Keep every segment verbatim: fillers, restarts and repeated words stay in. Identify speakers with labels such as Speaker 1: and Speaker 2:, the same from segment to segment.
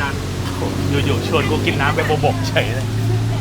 Speaker 1: กัน
Speaker 2: อยู่ๆชวนกูกินน้ำไปโบบกเฉยเลย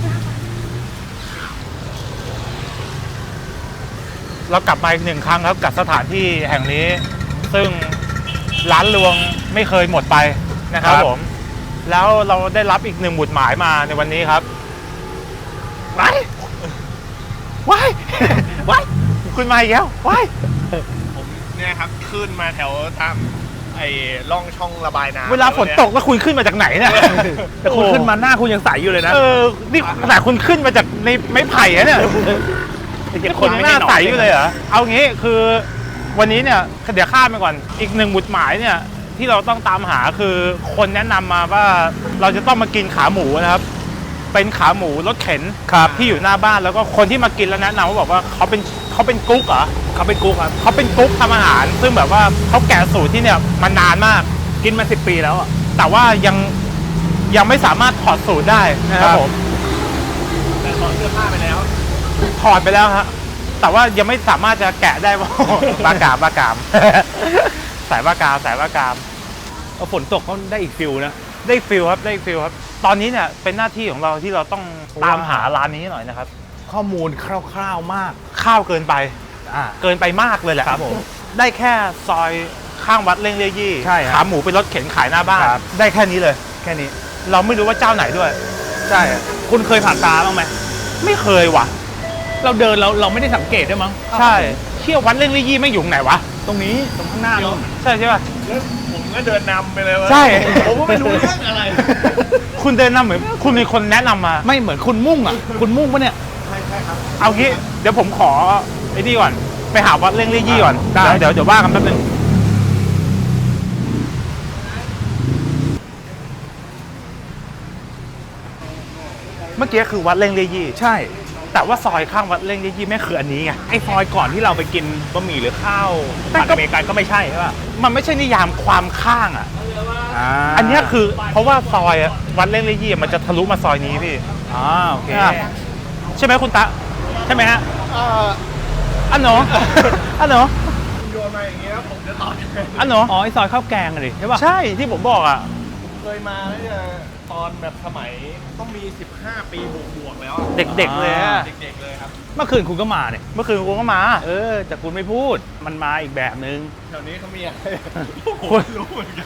Speaker 2: เรากลับมาอีกหนึ่งครั้งครับกับสถานที่แห่งนี้ซึ่งร้านรวงไม่เคยหมดไปนะครับผมแล้วเราได้รับอีกหนึ่งหมุดหมายมาในวันนี้ครับว้ายว้ายว้ายคุณมาอีกแล้วว้าย
Speaker 1: ผมเนี่ยครับขึ้นมาแถวตามไอ้ร่องช่องระบายน้ำ
Speaker 2: เวลาฝนตกแล้วคุณขึ้นมาจากไหนเนี่ย
Speaker 3: แต่คุณขึ้นมาหน้าคุณยังใสอยู่เลยนะ
Speaker 2: เออนี่ขนาดคุณขึ้นมาจากในไม้ไผ่อะเนี่ยคนหน้าใสอยู่เลยเหรอเอางี้คือวันนี้เนี่ยเดี๋ยวข้ามไปก่อนอีกหนึ่งหมุดหมายเนี่ยที่เราต้องตามหาคือคนแนะนำมาว่าเราจะต้องมากินขาหมูนะครับเป็นขาหมูรถเข็นที่อยู่หน้าบ้านแล้วก็คนที่มากินแล้วแนะนำว่าบอกว่าเขาเป็นเขาเป็นกุ๊กเหรอ
Speaker 3: เขาเป็นกุ๊กครับ
Speaker 2: เขาเป็นกุ๊กทำอาหารซึ่งแบบว่าเขาแกะสูตรที่เนี่ยมานานมาก
Speaker 3: กินมาสิบปีแล้วอ่ะ
Speaker 2: แต่ว่ายังยังไม่สามารถถอดสูตรได้นะครับผม
Speaker 1: แต่ถอดเสื้อผ้าไปแล้ว
Speaker 2: ถอดไปแล้วฮะแต่ว่ายังไม่สามารถจะแกะได้ว่าบากามบากามสายบากามสายบากาม
Speaker 3: เอาฝนตกเขาได้อีกฟิลนะ
Speaker 2: ได้ฟิลครับได้ฟิลครับตอนนี้เนี่ยเป็นหน้าที่ของเราที่เราต้องตามหาร้านนี้หน่อยนะครับ
Speaker 3: ข้อมูลคร่าวๆมาก
Speaker 2: ข้าวเกินไป
Speaker 3: อ่า
Speaker 2: เกินไปมากเลยแหละ
Speaker 3: ครับผม
Speaker 2: ได้แค่ซอยข้างวัดเล่งเลี่ยยี่
Speaker 3: ใช่
Speaker 2: ขาหมูเป็นรถเข็นขายหน้าบ้านได้แค่นี้เลย
Speaker 3: แค่นี้
Speaker 2: เราไม่รู้ว่าเจ้าไหนด้วย
Speaker 3: ใช่คุณเคยผ่านตาบ้างไหม
Speaker 2: ไม่เคยว่ะ
Speaker 3: เราเดินเราเราไม่ได้สังเกตด้วยมั้ง
Speaker 2: ใช่เที่ยววัดเล่งเลี่ยยี่ไม่อยู่ไหนวะ
Speaker 3: ตรงนี้ตรงข้างหน้าเรา
Speaker 2: ใช่ใช่ป่ะ
Speaker 1: แล้วผมก็เดินนำไปเลยวะ
Speaker 2: ใช่
Speaker 1: ผมก็ไม่รู้เรื่องอะไร
Speaker 2: คุณเดินนำเหมือนคุณมีคนแนะนำมา
Speaker 3: ไม่เหมือนคุณมุ่งอ่ะคุณมุ่งปะเนี่ย
Speaker 1: ใช่ใช่ครับ
Speaker 2: เอางี้เดี๋ยวผมขอไอ้นี่ก่อนไปหาวัดเล่งเลี่ยยี่ก่อนเดี๋ยวเดี๋ยวว่ากันแป๊บนึงเมื่อกี้คือวัดเล่งเลี่ยยี่
Speaker 3: ใช่
Speaker 2: แต่ว่าซอยข้างวัดเล่งเลี่ยยี่แม่คืออันนี้ไง
Speaker 3: ไอ้ซอยก่อนที่เราไปกินบะหมี่หรือข้าวผัดอเมริกันก็ไม่ใช่ใช่ป่ะ
Speaker 2: มันไม่ใช่นิยามความข้างอ่ะอันนี้คือเพราะว่าซอยวัดเล่งเลี่ยยี่มันจะทะลุมาซอยนี้พี่
Speaker 3: อ๋อโอเค
Speaker 2: ใช่ไหมคุณตะใช่ไหมฮะอันหนออันหนอ
Speaker 1: โยนมาอย่างเงี้ยผมจะตอบ
Speaker 2: อันหนอ
Speaker 3: อ๋อไอ้ซอยข้าวแกงเลยใช่ป่ะ
Speaker 2: ใช่ที่ผมบอกอ่ะ
Speaker 1: เคยมาแล้วเนี่ยตอนแบบสมัยต้องมีสิบห้าปีบวกๆแล้ว
Speaker 2: เด็กๆเลยอ่ะ
Speaker 1: เด็กๆเลยครับ
Speaker 3: เมื่อคืนคุณก็มาเนี่ย
Speaker 2: เมื่อคืนคุณก็มา
Speaker 3: เออแต่คุณไม่พูดมันมาอีกแบบนึง
Speaker 1: แถวนี้เขามีอะไรคุณรู้เหมือนกัน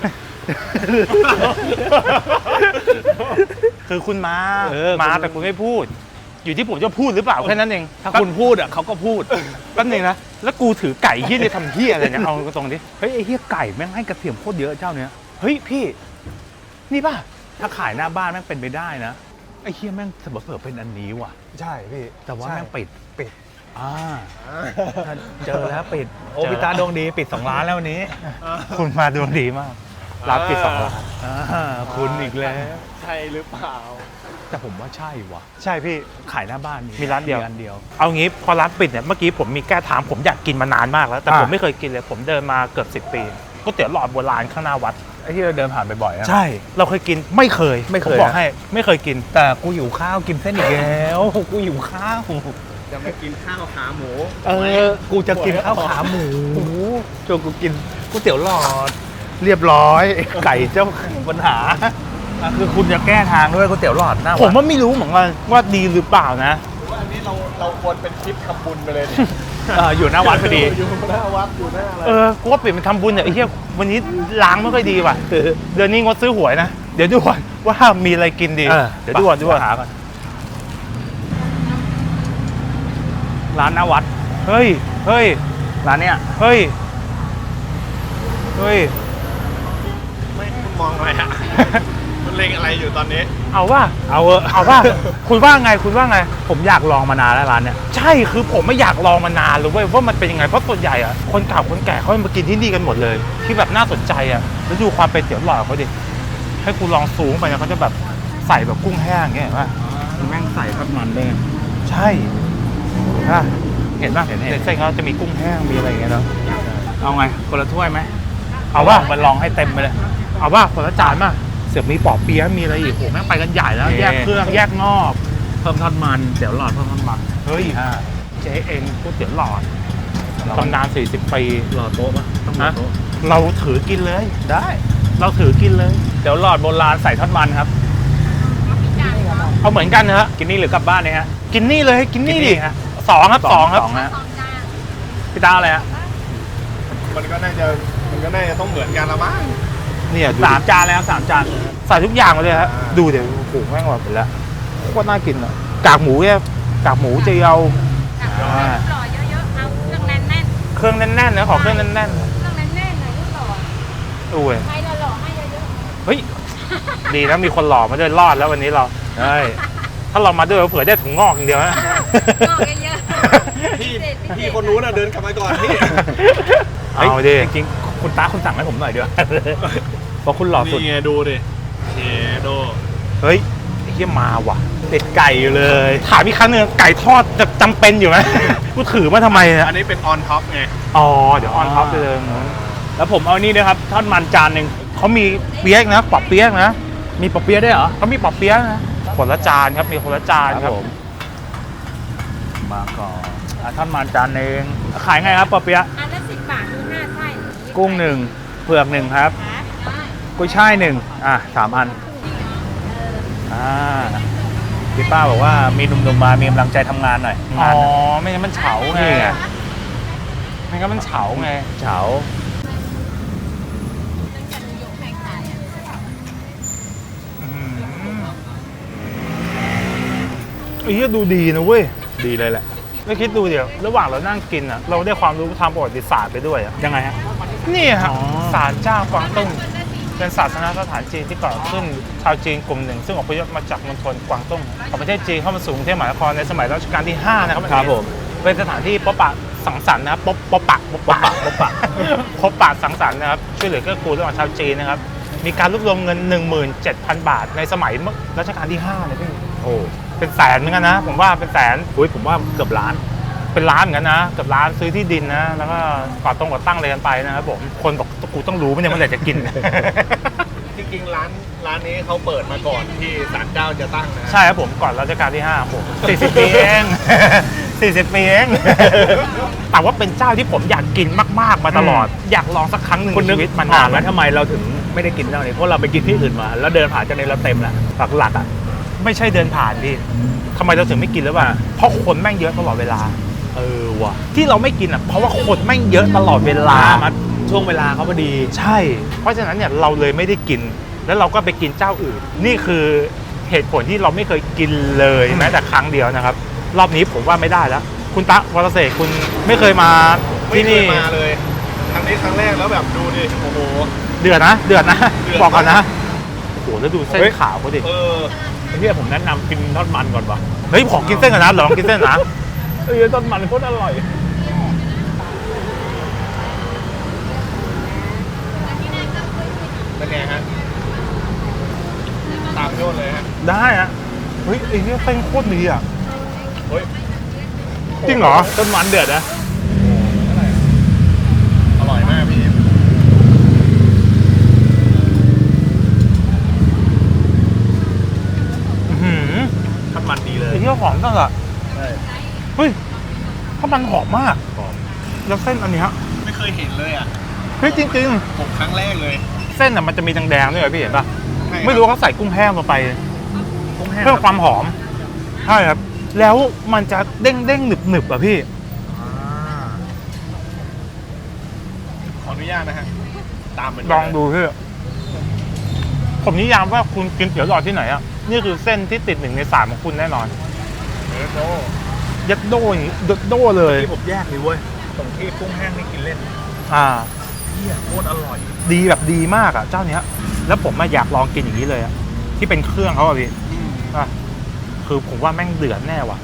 Speaker 2: คือคุณมามาแต่คุณไม่พูดอยู่ที่ผมจะพูดหรือเปล่าแค่นั้นเอง
Speaker 3: ถ้าคุณพูดอ่ะเขาก็พูด
Speaker 2: แป๊บนึงนะแล้วกูถือไก่เฮี้ยจะทำเฮี้ยอะไรเนี่ยเอาตรงนี้
Speaker 3: เฮ้ยไอ้เฮี้ยไก่แม่งให้กระเทียมโคตรเยอะเจ้าเนี้ย
Speaker 2: เฮ้ยพี่นี่ป่ะ
Speaker 3: ถ้าขายหน้าบ้านแม่งเป็นไปได้นะไอ้เฮี้ยแม่งเสมอเผื่อเป็นอันนี้ว่ะ
Speaker 2: ใช่พี่
Speaker 3: แต่ว่าแม่งปิด
Speaker 2: ปิด
Speaker 3: อ่าเจอแล้วปิดโอพิตาดวงดีปิดสองล้านแล้ววันนี้
Speaker 2: คุณมาดวงดีมากรับปิดสองล้าน
Speaker 3: คุณอีกแล้ว
Speaker 1: ใช่หรือเปล่า
Speaker 3: แต่ผมว่าใช่ว่ะ
Speaker 2: ใช่พี่
Speaker 3: ขายหน้าบ้าน
Speaker 2: มีร้านเดียว
Speaker 3: ร้านเดียว
Speaker 2: เอางี้พอร้านปิดเนี่ยเมื่อกี้ผมมีแก้ถามผมอยากกินมานานมากแล้วแต่ผมไม่เคยกินเลยผมเดินมาเกือบสิบปีก๋วยเตี๋ยวหลอดโบราณข้างหน้าวัด
Speaker 3: ไอ้ที่เราเดินผ่านบ่อยๆ
Speaker 2: ใช่เราเคยกินไม่เคย
Speaker 3: ไม่เคย
Speaker 2: บอกให้ไม่เคยกิน
Speaker 3: แต่กูหิวข้าวกินเส้นอีกแล้วกูหิวข้าว
Speaker 1: จะไม่กินข้าวขาหมู
Speaker 3: เออกูจะกินข้าวขาหมูโจกูกินก๋วยเตี๋ยวหลอดเรียบร้อยไก่เจ้าปัญหาคือคุณจะแก้ทางด้วยก๋วยเตี๋ยวหลอดนะ
Speaker 2: ผมว่าไม่รู้เหมือนกันว่าดีหรือเปล่านะ
Speaker 1: ว่าอันนี้เราเราควรเป็นคลิปทำบุญไปเลย
Speaker 3: อยู่หน้าวัดพอดี
Speaker 1: อยู่หน้าวัดอยู่หน้าอะไร
Speaker 2: เออกูว่าเปลี่ยนเป็นทำบุญเนี่ยไอ้เหี้ยวันนี้ล้างไม่ค่อยดีว่ะเดือนนี้งดซื้อหวยนะเดี๋ยวดูก่อนว่ามีอะไรกินดีเดี๋ยวดูก่อนดูก่อนหาก่อน
Speaker 3: ร้านหน้าวัด
Speaker 2: เฮ้ยเฮ้ย
Speaker 3: ร้านเนี้ย
Speaker 2: เฮ้ยเฮ้ย
Speaker 1: ไม่คุณมองอะไรฮะคุณเล็งอะไรอยู่ตอนนี้
Speaker 2: เอาว่า
Speaker 3: เอาเออ
Speaker 2: เอาว่าคุณว่าไงคุณว่าไง
Speaker 3: ผมอยากลองมานานแล้วร้านเนี้ย
Speaker 2: ใช่คือผมไม่อยากลองมานานเลยเว้ยว่ามันเป็นยังไงเพราะส่วนใหญ่อะคนเก่าคนแก่เขามากินที่นี่กันหมดเลยที่แบบน่าสนใจอะแล้วดูความเป็นเตี๋ยวหลอดเขาดิให้คุณลองซูมไปนะเขาจะแบบใส่แบบกุ้งแห้งเงี้ยว่า
Speaker 3: แม่งใส่ทอดมันด้วย
Speaker 2: ใช่
Speaker 3: เห็นป่ะเห็น
Speaker 2: เห็นเส้นเขาจะมีกุ้งแห้งมีอะไรอย่างเงี้ยเนาะ
Speaker 3: เอาไงคนละถ้วยไหม
Speaker 2: เอาว่า
Speaker 3: มันลองให้เต็มไปเลย
Speaker 2: เอาว่าคนละจานมาเสือกมีปอเปี๊ยะมีอะไรอีกโหแม่งไปกันใหญ่แล้วแยกเครื่องแยกงอบ
Speaker 3: เพิ่มทอดมันเตี๋ยวหลอดเพิ่มทอดมัน
Speaker 2: เฮ้ยเจ๊เองก๋วยเตี๋ยวหลอดตำนานสี่สิบปี
Speaker 3: หลอดโต๊ะป่ะต้องหลอดโต๊ะ
Speaker 2: เราถือกินเลย
Speaker 3: ได้
Speaker 2: เราถือกินเลย
Speaker 3: เดี๋ยวหลอดโบราณใส่ทอดมันครับ
Speaker 2: เอาเหมือนกันนะฮะ
Speaker 3: กินนี่หรือกลับบ้านเนี่ยฮะ
Speaker 2: กินนี่เลยกินนี่
Speaker 3: กินนี่
Speaker 2: ดิ
Speaker 3: ฮะ
Speaker 2: สองครับสองครับ
Speaker 3: สองฮะพี่ตาอะไรฮะ
Speaker 1: มันก็น่าจะมันก็น่าจะต้องเหมือนกันละมั้ง
Speaker 2: เนี่ยดู
Speaker 3: สาม
Speaker 2: ดิ
Speaker 3: จานเลยครับสามจาน
Speaker 2: ใส่ทุกอย่างมาเลยฮะ
Speaker 1: อ่า
Speaker 2: ดูเดี๋ยวโอ้โหแม่งแบบเป็นแล้วโคตรน่ากินอ่ะกากหมูเนี่ยกากหมูเจียว
Speaker 4: หล่อเยอะๆ เอาเครื่องแน่น
Speaker 2: เครื่องแน่นๆนะขอเครื่องแน่น
Speaker 4: ๆ เครื่องแน่นๆหน่อยลูกหล่อ
Speaker 2: ๆโอ้ย
Speaker 4: ใครหล่อๆให้เยอะ
Speaker 2: เฮ้ยดีนะมีคนหล่อมาด้วยรอดแล้ววันนี้เราใช่ถ้าเรามาด้วยเผื่อได้ถุงงอกอย่างเดียวนะ
Speaker 4: ๆงอกเยอะๆ
Speaker 1: พี่พี่คนนู้นน่ะเดินกลับมาก่อนพี่
Speaker 2: เอาดิ
Speaker 3: จริงๆคุณตาคุณสั่งให้ผมหน่อยเดียวเพราะคุณหล่อสุด
Speaker 1: นี่ไงดูดิเชโด
Speaker 2: เฮ้ยไอ้เหี้ยมาว่ะ
Speaker 3: ติดไก่อยู่เลย
Speaker 2: ถามอีกครั้งหนึงไก่ทอดจะจำเป็นอยู่ไหม กูถือมาทำไมเนี่ย
Speaker 1: อันนี้เป็นออนท็อปไง
Speaker 2: อ๋อเดี๋ยวออนท็อปไปเลย
Speaker 3: แล้วผมเอานี่ด้วยครับทอดมันจานหนึ่ง
Speaker 2: เขามีเปี๊ยกนะปอบเปี๊ยกนะ
Speaker 3: มีปอเปี๊ยะด้วยเหรอ
Speaker 2: เขามีปอบเปี๊ยกนะคนละจานครับมีคนละจานครับ
Speaker 3: ผมมาก่อนอ่ะทอดมันจานหนึ่งขายไงครับปอเปี๊ยะ
Speaker 4: อันละสิบบาทดูหน้าไส้
Speaker 3: กุ้งหนึ่งเผือกหนึ่งครับ
Speaker 4: ครับได้
Speaker 3: กุ้ยช่ายหนึ่งอ่ะสามอันอ่าพี่ป้าบอกว่ามีหนุ่มๆมามีกำลังใจทำงานหน่อย
Speaker 2: อ๋
Speaker 3: งา
Speaker 2: อน
Speaker 3: น่ะ
Speaker 2: ไม่งั้นมันเฉาไง
Speaker 3: นี่ไง
Speaker 2: ไม่งั้นมันเฉาไง
Speaker 3: เฉา
Speaker 2: ไอ้เหี้ยดูดีนะเว้ย
Speaker 3: ดีเลยแหละ
Speaker 2: ไม่คิดดูเดี๋ยวระหว่างเรานั่งกินอ่ะเราได้ความรู้ทางประวัติศาสตร์ไปด้วยอ่ะ
Speaker 3: ยังไงฮะ
Speaker 2: นี่ฮะ
Speaker 3: อ๋อ
Speaker 2: ศาลเจ้ากวางตุ้งเป็นศาสนสถานจีนที่ก่อขึ้นชาวจีนกลุ่มหนึ่ง ซึ่งอพยพมาจากมณฑลกวางตุ้งของประเทศจีนเข้ามาสู่กรุงเทพมหานครในสมัยรัชกาลที่ห้านะครับ
Speaker 3: ครับผม
Speaker 2: เป็นสถานที่พบปะสังสรรค์นะครับพบพบปะพบปะพบปะพบปะสังสรรค์นะครับช่วยเหลือเกื้อกูลระหว่างชาวจีนนะครับมีการรวบรวมเงิน หนึ่งหมื่นเจ็ดพัน บาท ในสมัยรัชกาลที่ห้าเลยพี่
Speaker 3: โอ้
Speaker 2: เป็นแสนเหมือนกันนะ ผมว่าเป็นแสน
Speaker 3: อุ้ยผมว่าเกือบล้าน
Speaker 2: เป็นร้านเหมือนกันนะเกับร้านซื้อที่ดินนะ แล้วก็ก่อตรงก่อตั้งอะไรกันไปนะครับผมคนบอกกูต้องรู้ไม่เนี่ยเมื่อไหร่จะกิน
Speaker 1: จริงๆร้านร้านนี้เขาเปิดมาก่อนที่ศาลเจ้าจะตั้งนะ
Speaker 2: ใช่ครับผมก่อนรัชกาลที่ห้าผมสี่สิบปีเอง สี่สิบปีเอง แต่ว่าเป็นเจ้าที่ผมอยากกินมากๆมาตลอด อยากลองสักครั้งหนึ่ง
Speaker 3: คุณ
Speaker 2: ใน
Speaker 3: นึก
Speaker 2: ชีวิตมัน
Speaker 3: อ
Speaker 2: นา
Speaker 3: อน ก
Speaker 2: แล้
Speaker 3: แล้ว วทำไมเราถึงไม่ได้กินเจ้านี้เพราะเราไปกินที่อื่นมา แล้วเดินผ่านเจ้านี้เราเต็มแล้วหลักๆอ่ะ
Speaker 2: ไม่ใช่เดินผ่านพี่ทำไมเราถึงไม่กินหรือเปล่าเพราะคนแม่งเยอะตลอดเวลา
Speaker 3: เออว่ะ
Speaker 2: ที่เราไม่กินอ่ะเพราะว่าคนแม่งเยอะตลอดเวลา
Speaker 3: มาช่วงเวลาเขาพอดี
Speaker 2: ใช่ เพราะฉะนั้นเนี่ยเราเลยไม่ได้กิน แล้วเราก็ไปกินเจ้าอื่น นี่คือเหตุผลที่เราไม่เคยกินเลยแม้แต่ครั้งเดียวนะครับ รอบนี้ผมว่าไม่ได้แล้ว คุณตะวรเสกคุณไม่เคยมา
Speaker 1: ไม่
Speaker 2: ที่
Speaker 1: เค
Speaker 2: นี่
Speaker 1: ยมาเลยครั้งนี้ครั้งแรกแล้วแบบดูดิโอ้โห
Speaker 2: เดือดนะ เดือดนะ
Speaker 1: เดือด
Speaker 2: บอกก่อนนะโอ้โหแล้วดูเส้น
Speaker 3: เฮ้ย
Speaker 2: ขาวเขาดิ
Speaker 1: เออ
Speaker 3: ไอ้ที่ผมแนะนำกินทอดมันก่อนวะ
Speaker 2: เฮ้ยขอกินเส้นก่อนนะลองกินเส้นนะ
Speaker 3: เออทอดมันโคตรอร่อย
Speaker 1: เป็นไงฮะตามโยนเลยฮะ
Speaker 2: ได้อะเฮ้ยไอ้เนี่ยเส้นโคตรดีอ่ะ
Speaker 1: เฮ้ย
Speaker 2: จริงเหรอ
Speaker 3: ต้นมันเดือดนะ
Speaker 1: อร่อยมากพี่
Speaker 2: อื้อหือ
Speaker 3: ทอดมันดีเลย
Speaker 2: ไอ้ที่หอมจังอ่ะ
Speaker 3: ใช่
Speaker 2: เฮ้ยข้าวมันหอมมาก
Speaker 3: หอม
Speaker 2: แล้วเส้นอันเนี้ย
Speaker 1: ไม่เคยเห็นเลยอ่ะ
Speaker 2: เฮ้ยจริง
Speaker 1: ผมครั้งแรกเลย
Speaker 2: ๆ เส้นอ่ะมันจะมีแดงๆด้วยเหรอพี่เห็นป่ะ
Speaker 1: ใช่คบ
Speaker 2: ไม่รู้ว่าเขาใส่กุ้งแห้งลงไป
Speaker 3: กุ้งแห้ง
Speaker 2: เพิ่มความหอมใช่ครับ แล้วมันจะเด้งเด้งๆหนึบหนึบๆอ่ะพี่
Speaker 3: อ่า
Speaker 1: ขออนุญาตนะฮะตามมัน
Speaker 2: ลองดูพี่ผมนิยามว่าคุณกินเตี๋ยวหลอดที่ไหนอ่ะนี่คือเส้นที่ติดหนึ่งในสามของคุณแน่นอน
Speaker 1: เออโด
Speaker 2: ยัดโดอย่างนี้ยัดโดเลย
Speaker 3: ที่ผมแยกเลยเว้ยตรงที่กุ้งแห้งนี่กินเล่น
Speaker 2: อ่า
Speaker 3: เฮียโคตรอร่อย
Speaker 2: ดีแบบดีมากอ่ะเจ้าเนี้ย แล้วผมมาอยากลองกินอย่างนี้เลยอ่ะที่เป็นเครื่องเขาอ่ะพี่อ่ะคือผมว่าแม่งเดือดแน่ว่ะ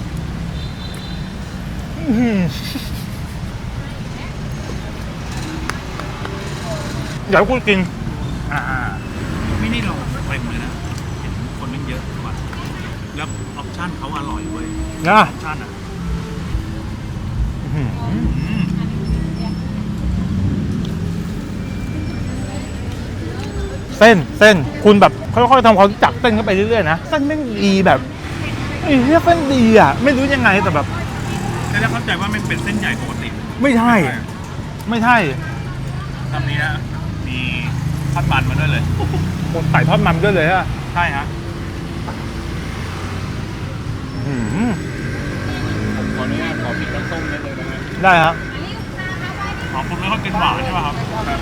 Speaker 2: อื้อหือเดี๋ยวคุณกิน
Speaker 3: อ่าไม่ได้ลองเต็มเลยนะ เห็นคนมันเยอะกว่าแล้วออปชั่นเขาอร่อยเว้ย
Speaker 2: นะ
Speaker 3: ออปชั่นอ่ะ
Speaker 2: อื้อหือเส้นเส้นคุณแบบค่อยๆทำความรู้จักเส้นเข้าไปเรื่อยๆนะเส้นแม่งดีแบบไอ้เหี้ยเส้นดีอ่ะ ไม่รู้ยังไงแต่แบบ
Speaker 3: แต่แล้วเข้าใจว่ามันเป็นเส้นใหญ่ปกติ
Speaker 2: ไม่ใช่ ไม่ใช่
Speaker 3: ตามนี้นะ มีทอดมันมาด้วยเลย
Speaker 2: คนใส่ทอดมันด้วยเลยอะ
Speaker 3: ใช่ฮะ
Speaker 2: อืม
Speaker 1: ผมขออนุญาตขอพริกน้ำส้มนิดนึงนะฮะ
Speaker 2: ได้ครับ
Speaker 4: อันนี้ลูกค้าเอาไว้ที่
Speaker 3: อ๋อคุณไม่ค่อยกินหวานใช่ป่ะครับ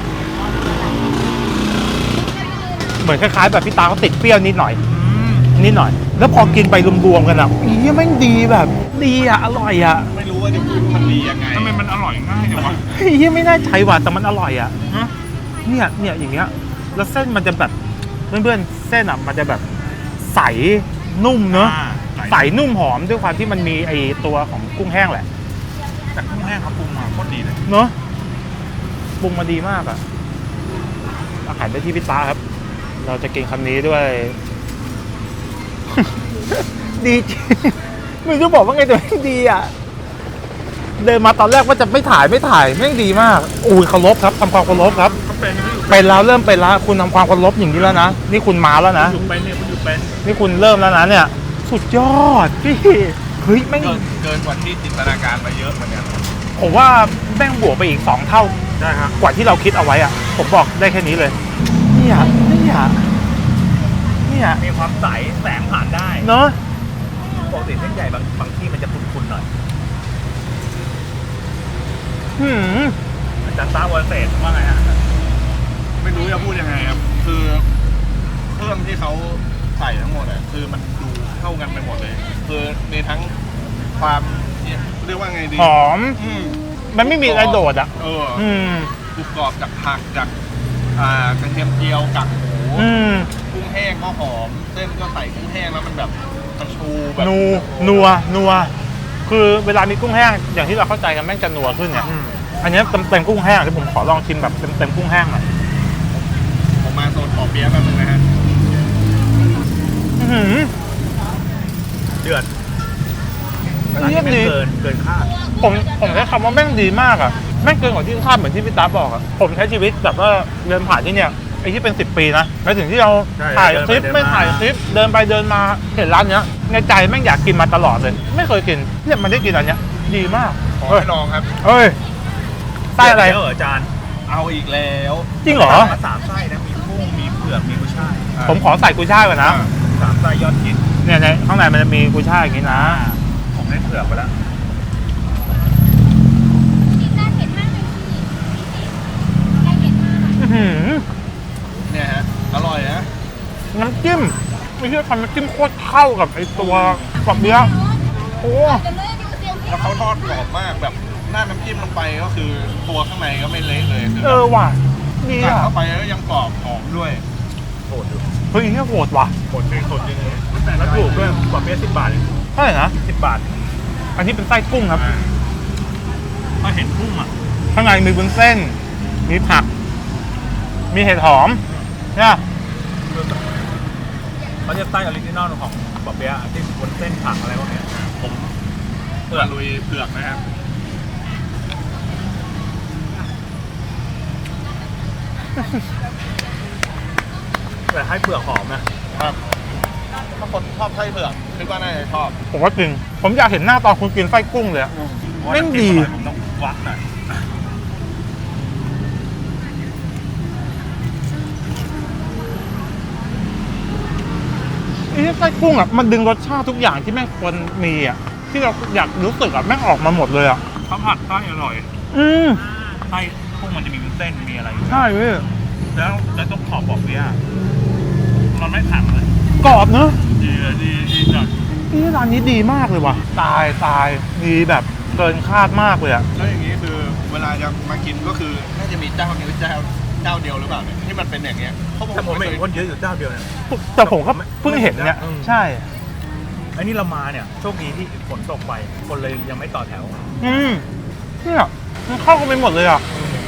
Speaker 2: เหมือนคล้ายๆแบบพี่ตาเขาติดเปรี้ยวนิดหน่อย นิดหน่อย แล้วพอกินไปรวมๆกันอ่ะอีแม่งดีแบบ ดีอ่ะ อร่อยอ่ะ
Speaker 1: ไม่รู้ว่าจะพูดมันดียังไง
Speaker 3: ทำไมมันอร่อยง่ายจังวะ
Speaker 2: เฮียไม่น่าใช้ว่ะแต่มันอร่อยอ่ะเนี่ยเนี่ยอย่างเงี้ย แล้วเส้นมันจะแบบเพื่อนๆเส้นอ่ะมันจะแบบใสนุ่มเนอะ
Speaker 3: อ่าใส
Speaker 2: ใสนุ่มหอมด้วยความที่มันมีไอตัวของกุ้งแห้งแหละ
Speaker 3: แต่กุ้งแห้งเขาปรุงมาโคตรดีเลย
Speaker 2: เนอะปรุงมาดีมากอ่ะอาหารได้ที่พิตาครับ เราจะกินคำนี้ด้วย ดีจริงไม่รู้บอกว่าไงแต่แม่งดีอ่ะ เดินมาตอนแรกว่าจะไม่ถ่ายไม่ถ่ายแม่งดีมากอุ้ยเคารพครับทำความเคารพครับ
Speaker 3: เขาเป็นไม่อยู่
Speaker 2: เป็นแล้วเริ่มเป็นแล้วคุณทำความเคารพอย่างนี้แล้วนะนี่คุณมาแล้วนะ
Speaker 3: อยู่เป็นเนี่ยคุณอยู่เป็น
Speaker 2: นี่คุณเริ่มแล้วนะเนี่ย สุดยอดพี่เฮ้ยแม่ง
Speaker 1: เกินเกินกว่าที่จินตนาการมาเยอะเหมือนกัน
Speaker 2: ผมว่าแม่งบวกไปอีกสองเท่า
Speaker 3: ได้ครับ
Speaker 2: กว่าที่เราคิดเอาไว้อ่ะ ผมบอกได้แค่นี้เลยเนี่ยเนี่ยเนี่ย
Speaker 3: มีความใสแสงผ่านได้
Speaker 2: เนาะ
Speaker 3: ปกติเส้นใหญ่บางบางที่มันจะคุ้นๆหน่อย
Speaker 2: หืม
Speaker 3: อาจารย์ต้าวอลเศษว่าไงฮะ
Speaker 1: ไม่รู้จะพูดยังไงครับ คือเครื่องที่เขาใส่ทั้งหมดอ่ะคือมันดูเข้ากันไปหมดเลย คือมีทั้งความเนี่ยเรียกว่าไงดี
Speaker 2: หอม
Speaker 1: อืม
Speaker 2: มันไม่มีอะไรโดดอ่ะ
Speaker 1: เออ
Speaker 2: อืม
Speaker 1: กรุบกรอบจากผักจากอ่ากระเทียมเจียวกากหมู
Speaker 2: อืม
Speaker 1: กุ้งแห้งก็หอม เส้นก็ใส่กุ้งแห้งแล้วมันแบบมันชูแบบ
Speaker 2: นูนัวนัวคือเวลามีกุ้งแห้งอย่างที่เราเข้าใจกันแม่งจะนัวขึ้นเนี่ย อันเนี้ยเต็มเต็มกุ้งแห้งที่ผมขอลองชิมแบบเต็มเต็มกุ้งแห้งหน่อย
Speaker 1: ผมมาโซนปอเปี๊ยะแป๊บนึงนะฮะ
Speaker 2: อื้อหือ
Speaker 3: เดือด
Speaker 2: เยี่ยมดี
Speaker 3: เกินเกินคาด
Speaker 2: ผมผมใช้คำว่าแม่งดีมากอ่ะแม่งเกินกว่าที่คาดเหมือนที่พี่ตาบอกอ่ะผมใช้ชีวิตแบบว่าเดินผ่านที่เนี่ยไอ้ที่เป็นสิบปีนะในถึงที่เราถ่ายคลิปไม่ถ่ายคลิปเดินไปเดินมาเห็นร้านเนี้ยในใจแม่งอยากกินมาตลอดเลย ไม่เคยกินเนี่ยมันได้กินอันเนี้ยดีมาก
Speaker 1: ขอ
Speaker 2: เฮ้ย
Speaker 1: ให้ลองครับ
Speaker 2: เฮ้ยไส้อะไร
Speaker 3: เดี๋ยวเหรออาจารย์
Speaker 1: เอาอีกแล้ว
Speaker 2: จริงเหรอ
Speaker 3: มาสามไส้นะมีกุ้งมีเผือกมีกุ้ยช่าย
Speaker 2: ผมขอใส่กุยช่ายก่อนนะ
Speaker 3: สามไส้ยอดฮิต
Speaker 2: เนี่ยในข้างในมันจะมีกุยช่ายอย่างนี้นะ
Speaker 3: ผมได้เผือกไปแล้ว
Speaker 4: กินได้เผ็ดมากเลยพี่ได้เผ็ดมาก
Speaker 2: อื้อหือ
Speaker 1: เนี่ยฮะ อร่อยนะ
Speaker 2: น้ำจิ้มไม่ใช่ทำน้ำจิ้มโคตรเข้ากับไอ้ตัวกรอบเบี้ยโอ้
Speaker 4: จะเลื่อนอยู่เตียง
Speaker 1: แล้วเขาทอดกรอบมากแบบหน้าน้ำจิ้มลงไปก็คือตัวข้างในก็ไม่เละเลยคือ
Speaker 2: เออว่ะดี
Speaker 1: กัด
Speaker 2: อ่ะ
Speaker 1: เข้าไปแล้วยังกรอบหอมด้วย
Speaker 3: โหดอยู่
Speaker 2: เฮ้ยนี่โหดว่ะ
Speaker 3: โหดจริงโหดจริงเลยแล้วถูกด้วยกว่าเปี๊ยะสิบบาทเอง
Speaker 2: เท่าไหร่นะ
Speaker 3: สิบบาท
Speaker 2: อันนี้เป็นไส้กุ้งครับ
Speaker 3: ถ้าเห็นกุ้งอ่ะ
Speaker 2: ข้างในมีวุ้นเส้น มีผัก มีเห็ดหอมเนี่ย
Speaker 3: เขาจะไส้ออริจินอลของบะเปี๊ยะที่บนเส้นผักอะไรพวกเนี้ย
Speaker 1: ผมเผือกลุยเผือกนะครับ
Speaker 3: แต่ให้เปลือกหอมนะครับ
Speaker 1: ถ้าคนชอบไส้เผือกคิดว่าน่าจะชอบ
Speaker 2: ผมว่าจริง ผมอยากเห็นหน้าตอนคุณกินไส้กุ้งเลยอะ แม่งดี
Speaker 3: ผมต้องวัดหน่อย
Speaker 2: ไอ้ไส้กุ้งอ่ะมันดึงรสชาติทุกอย่างที่แม่งควรมีอ่ะที่เราอยากรู้สึกอ่ะแม่งออกมาหมดเลยอ่ะ
Speaker 3: ข้าวผัดไส้อร่อย
Speaker 2: อืม
Speaker 3: ไส้กุ้งมันจะมีวุ้นเส้นมีอะไรอยู่
Speaker 2: ใช่เว้ย
Speaker 3: แล้วแล้วต้องขอบอกเปี๊ยะมันไม่ขังเลย
Speaker 2: กรอบเนอะ
Speaker 3: ดีดีดีจัด
Speaker 2: นี่ร้านนี้ดีมากเลยว่ะ ตายตายดีแบบเกินคาดมากเลยอ่ะ
Speaker 1: แล้วอย่างนี้คือเวลาจะมากินก็คือน่าจะมีเจ้านี้เจ้าเจ้าเดียวหรือเปล่าเนี่ยที่มันเป็นอย่างเงี้ยเพราะผม
Speaker 3: แต่ผม
Speaker 1: ไม่
Speaker 3: เห็
Speaker 1: เคน ย
Speaker 3: คนเยอะอยู่เจ้าเดียวเนี่ย
Speaker 2: แต่ผมก็เพิ่งเห็นเนี่ย
Speaker 3: อืม
Speaker 2: ใช่
Speaker 3: ไอ้นี่เรามาเนี่ยโชคดีที่ฝนตกไปคนเลยยังไม่ต่อแถว
Speaker 2: อืมเนี่ยมันเข้ากันไปหมดเลยอ่ะ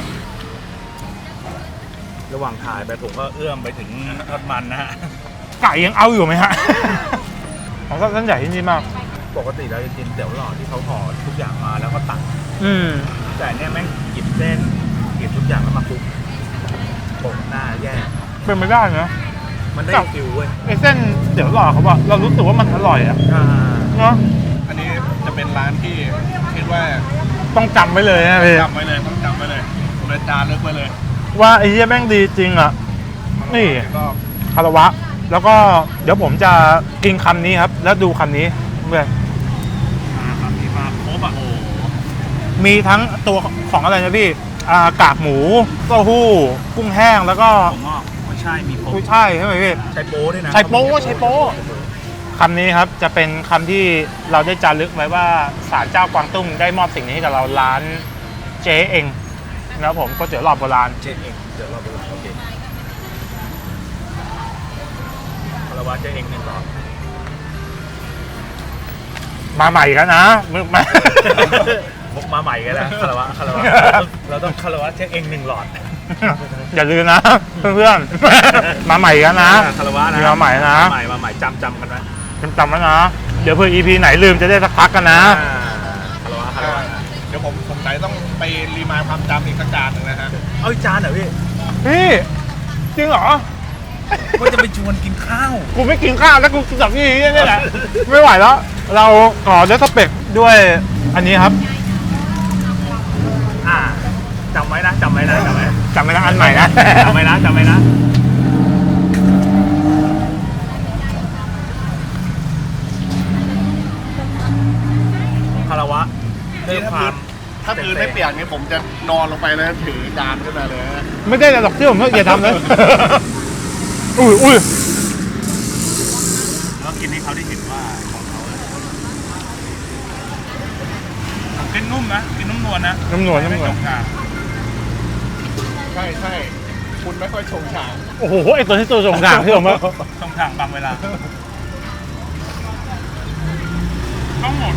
Speaker 3: ระหว่างถ่ายไปผมก็เอื้อมไปถึงทอดมันนะฮะ
Speaker 2: ไก่ยังเอาอยู่ไหมฮะ ผมชอบเส้นใหญ่ที่นี่มาก
Speaker 3: ปกติเราจะกินเตี๋ยวหลอดที่เขาห่อทุกอย่างมาแล้วก็ตัก
Speaker 2: อืม
Speaker 3: แต่เนี่ยแม่งหยิบเส้นหยิบทุกอย่างแล้วมาคลุกโปะหน้าแย่
Speaker 2: เป็นไม่ได้นะ
Speaker 3: มันได้
Speaker 2: ครับ
Speaker 3: ฟิลเว้ย
Speaker 2: ไอ้เส้นเดี๋ยวหล่อเขาบอกเรารู้สึกว่ามันอร่อยอ่ะ
Speaker 3: อ่า
Speaker 2: เนาะ
Speaker 1: อันนี้จะเป็นร้านที่คิดว่า
Speaker 2: ต้องจำไว้เลยนะพี่
Speaker 1: จำไว้เลยต้องจำไว้เลยเลยจานเลือกไว้เลย
Speaker 2: ว่าไอ้เหี้ยแม่งดีจริงอ่ะนี่
Speaker 1: ก็
Speaker 2: คารวะ แล้วก็เดี๋ยวผมจะกินคำนี้ครับ แล้วดูคำนี้เพื่อน
Speaker 3: ครับมีมาครบอ่ะ
Speaker 1: โอ้
Speaker 2: มีทั้งตัวของอะไรนะพี่อ่ากากหมูเต้าหู้กุ้งแห้งแล้วก็
Speaker 3: ผมงอกไม่ใช่มีครบ
Speaker 2: กุ้ยช่ายใช่ไหมพี่
Speaker 3: ใช้โป้ด้วยนะ
Speaker 2: ใช้โป๊ใช้โป๊คำนี้ครับจะเป็นคำที่เราได้จารึกไว้ว่าศาลเจ้ากวางตุ้งได้มอบสิ่งนี้ให้กับเราร้านเจ๊เองนะครับผมก๋วยเตี๋ยวหลอดโบราณ
Speaker 3: เจ๊เองเดี๋ยวเราไปดูโอเคคารวะเจ๊เองหนึ่งหลอด
Speaker 2: มาใหม่กันนะมึงมา
Speaker 3: ผมมาใหม่กันแล้วคารวะคารวะเราต้องคารวะเจ๊เองหนึ่งหลอด
Speaker 2: อย่าลืมนะ เพื่อนๆ มาใหม่กันนะ
Speaker 3: คารวะนะ
Speaker 2: มีมาใหม่นะ
Speaker 3: มาใหม่มาใหม่จำจำกันไว้
Speaker 2: จำไว้นะ เดี๋ยวเพื่อ อี พี ไหนลืมจะได้สักพักกันนะ
Speaker 3: อ่าคารวะคารวะ
Speaker 1: เดี๋ยวผมสงสัยต้องไปรีมายความจำอีกสักจานหนึ่งนะฮะ
Speaker 3: เอาอีกจานเหรอพี่
Speaker 2: พี่จริงเหรอ
Speaker 3: ว่าจะไปชวนกินข้าว
Speaker 2: กูไม่กินข้าวแล้วกูกินกับพี่นี่แหละ ไม่ไหวแล้ว เราขอเดสเปกด้วยอันนี้ครับ
Speaker 3: อ่าจำไว้นะจำไว้นะจำไว้
Speaker 2: จำไม่ได้อันใหม่นะ
Speaker 3: จำไว้นะจำไว้นะคารวะด้วยความ
Speaker 1: ถ้าพื้นไม่เปียกนี่ผมจะนอนลงไปแล้วถือจานขึ้นมาเลยนะ
Speaker 2: ไม่ได้หรอกที่ผมอย่าทำเลย อุ้ยอุ้ย
Speaker 3: แล้วกินให้เขาได้เห็นว่าของเขาอะผมกินนุ่มนะกินนุ่มนวลนะ
Speaker 2: น้ำนวลน้ำนวล
Speaker 3: ไม่จกกาก
Speaker 1: ใช่ใช่คุณไม่ค่อยชงฉาง
Speaker 2: โอ้โหไอตัวที่ตัวสงสารที่ผมว่า
Speaker 3: ต้องทางบางเวลาต้องหมด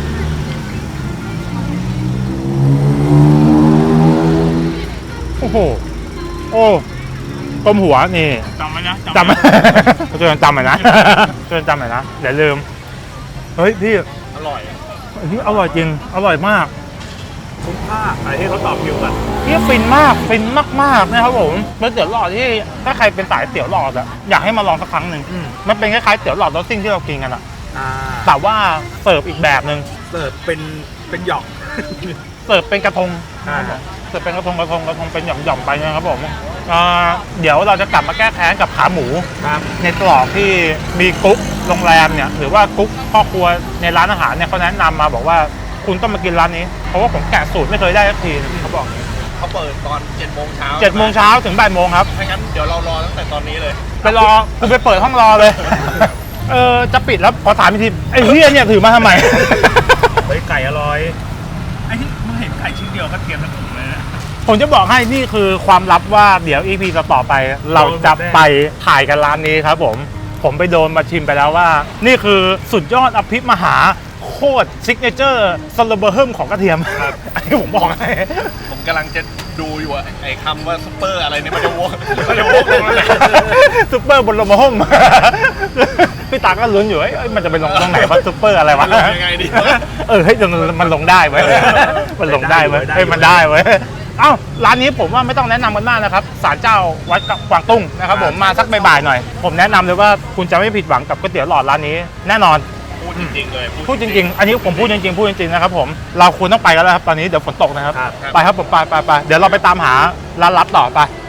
Speaker 2: โอ้โหโอ้ต้มหัวนี่
Speaker 3: จำไว้นะ
Speaker 2: จำ ช่วยกันจำหน่อยนะช่วยกันจำหน่อยนะอย่าลืมเฮ้ยพี่
Speaker 1: อร่อย
Speaker 2: อันนี้อร่อยจริงอร่อยมาก
Speaker 3: คุ้มค่าอะไรที่เขาตอบคิวกัน
Speaker 2: พี่ฟินมากฟินมากๆนะครับผมเป็นเตี๋ยวหลอดที่ถ้าใครเป็นสายเตี๋ยวหลอดอะอยากให้มาลองสักครั้งหนึ่ง
Speaker 3: อืม
Speaker 2: มันเป็นคล้ายๆเตี๋ยวหลอดรสซิ่งที่เรากินกันอะ
Speaker 3: อ่า
Speaker 2: แต่ว่าเสิร์ฟอีกแบบหนึ่ง
Speaker 3: เสิร์ฟเป็นเป็นหยอก
Speaker 2: เสิร์ฟเป็นกระทง
Speaker 3: อ่า
Speaker 2: เสิร์ฟเป็นกระทงกระทงกระทงเป็นหย่อมๆไปนะครับผมอ่าเดี๋ยวเราจะกลับมาแก้แค้นกับขาหมู
Speaker 3: ครับ
Speaker 2: ในตรอกที่มีกุ๊กโรงแรมเนี่ยหรือว่ากุ๊กพ่อครัวในร้านอาหารเนี่ยเขาแนะนำมาบอกว่าคุณต้องมากินร้านนี้เพราะว่าผมแกะสูตรไม่เคยได้สักทีเขาบอก
Speaker 1: เขาเปิดตอนเจ็ดโมงเช้า
Speaker 2: เจ็ดโมงเช้าถึงบ่ายโมงครับ
Speaker 1: ถ้างั้นเดี๋ยวเรารอตั้งแต่ตอนนี้เลย
Speaker 2: ไปรอกูไปเปิดห้องรอเลย เออจะปิดแล้วพอถามอีกทีไอ้เฮียเนี่ยถือมาทำไม
Speaker 3: เฮ้ยไก่อร่อยไอ้ที่มึงเห็นไก่ชิ้นเดียวก็เตรียมทั้งถุงเลยนะ
Speaker 2: ผมจะบอกให้นี่คือความลับว่าเดี๋ยว อี พี ต่อไป เราจะไปถ่ายกันร้านนี้ครับผม ผมไปโดนมาชิมไปแล้วว่า นี่คือสุดยอดอภิมหาโคตรซิกเนเจอร์สโลเบอร์เฮิมของกระเทียมครับอันนี้ผมบอกให้
Speaker 1: ผมกำลังจะดูอยู่อะไอ้คำว่าซุปเปอร์อะไรเนี่ยมันจะวกมันจะวกลงแล้วนะ
Speaker 2: ซุปเปอร์บนโลมาห่ม พี่ตาก็ลุ้นอยู่เอ้ยมันจะไปลงตรงไหนวะซุปเปอร์อะไรวะ
Speaker 1: ลงยังไงดี
Speaker 2: เออเฮ้ยมันลงได้เว้ยมันลงได้เว้ยเฮ้ยมันได้เว้ยเอ้าร้านนี้ผมว่าไม่ต้องแนะนำกันมากนะครับศาลเจ้าวัดกวางตุ้งนะครับผมมาสักบ่ายๆหน่อย ผมแนะนำเลยว่าคุณจะไม่ผิดหวังกับก๋วยเตี๋ยวหลอดร้านนี้แน่นอน
Speaker 1: พูดจริงๆเลย
Speaker 2: พูดจริงๆ อันนี้ผมพูดจริงๆ พูดจริงๆ นะครับผม เราควรต้องไปกันแล้วครับ ตอนนี้เดี๋ยวฝนตกนะครับ
Speaker 3: ครับ
Speaker 2: ไปครับผมไปไปไปเดี๋ยวเราไปตามหาร้านลับต่อไป